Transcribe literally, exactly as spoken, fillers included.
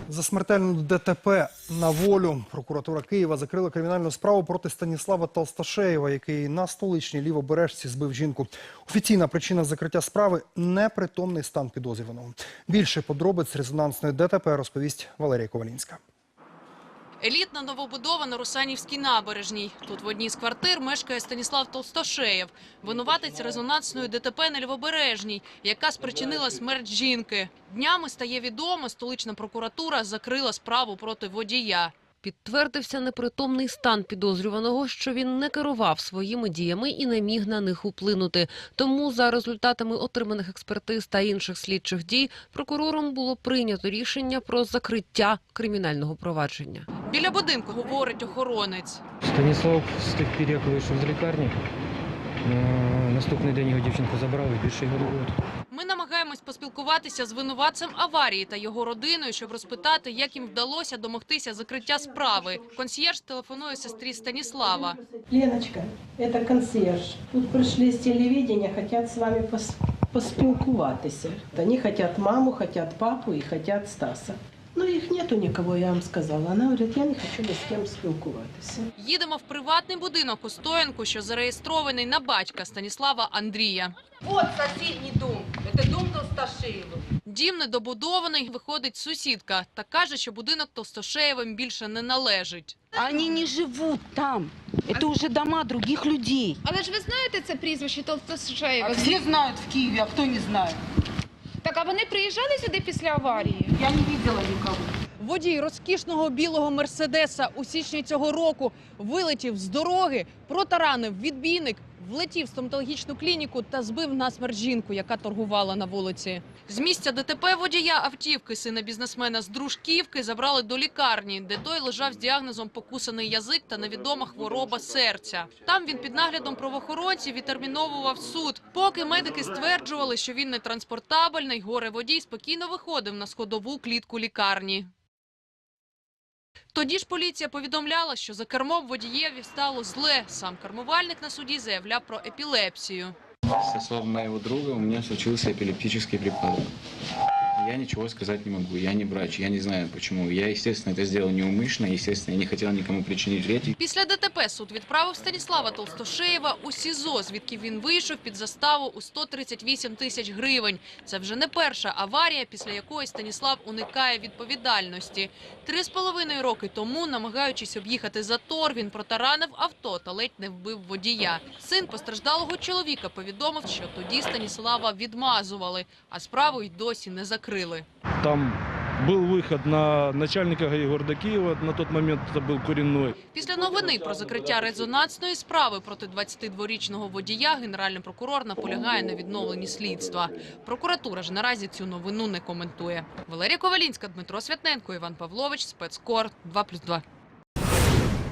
За смертельну ДТП на волю прокуратура Києва закрила кримінальну справу проти Станіслава Толстошеєва, який на столичній Лівобережці збив жінку. Офіційна причина закриття справи – непритомний стан підозрюваного. Більше подробиць резонансної ДТП розповість Валерія Ковалінська. Елітна новобудова на Русанівській набережній. Тут в одній з квартир мешкає Станіслав Толстошеєв, винуватець резонансної ДТП на Лівобережній, яка спричинила смерть жінки. Днями стає відомо, столична прокуратура закрила справу проти водія. Підтвердився непритомний стан підозрюваного, що він не керував своїми діями і не міг на них вплинути. Тому за результатами отриманих експертиз та інших слідчих дій прокурором було прийнято рішення про закриття кримінального провадження. Біля будинку говорить охоронець. Станіслав встиг пір, як вийшов з лікарні. Наступний день його дівчинку забрали, більше його не було. Ми намагаємось поспілкуватися з винуватцем аварії та його родиною, щоб розпитати, як їм вдалося домогтися закриття справи. Консьєрж телефонує сестрі Станіслава. Леночка, це консьєрж. Тут прийшли з телевидения, хочуть з вами поспілкуватися. Вони хочуть маму, хочуть папу і хочуть Стаса. Ну, їх нету нікого, я вам сказала. Вона говорить, я не хочу ні з ким спілкуватися. Їдемо в приватний будинок у Стоянку, що зареєстрований на батька Станіслава Андрія. От сусідній дом. Це дом Толстошеєва. Дім недобудований, виходить сусідка та каже, що будинок Толстошеєвим більше не належить. Они не живут там. Это уже дома других людей. Але ж ви знаєте це прізвище Толстошеєва? А всі знають в Києві, а хто не знає? Так, а вони приїжджали сюди після аварії? Я не бачила нікого. Водій розкішного білого «Мерседеса» у січні цього року вилетів з дороги, протаранив відбійник, влетів в стоматологічну клініку та збив насмерть жінку, яка торгувала на вулиці. З місця ДТП водія автівки, сина бізнесмена з Дружківки, забрали до лікарні, де той лежав з діагнозом покусаний язик та невідома хвороба серця. Там він під наглядом правоохоронців відтерміновував суд. Поки медики стверджували, що він не транспортабельний, горе-водій спокійно виходив на сходову клітку лікарні. Тоді ж поліція повідомляла, що за кермом водієві стало зле. Сам кермувальник на суді заявляв про епілепсію. Со слов моего друга у меня случился эпилептический припадок. Я ничего сказать не могу, я не врач, я не знаю почему. Я, естественно, это сделал неумышленно, естественно, я не хотел никому причинить вред. Після ДТП суд відправив Станіслава Толстошеєва у СІЗО, звідки він вийшов під заставу у сто тридцять вісім тисяч гривень. Це вже не перша аварія, після якої Станіслав уникає відповідальності. Три з половиною роки тому, намагаючись об'їхати затор, він протаранив авто та ледь не вбив водія. Син постраждалого чоловіка повідомив, що тоді Станіслава відмазували, а справу й досі не закрили. Там был выход на начальника ГАИ города Киева, на тот момент это был Куренной. Після новини про закриття резонансної справи проти двадцятидворічного водія генеральний прокурор наполягає на відновленні слідства. Прокуратура ж наразі цю новину не коментує. Валерія Ковалінська, Дмитро Святненко, Іван Павлович, Спецкор, два плюс два.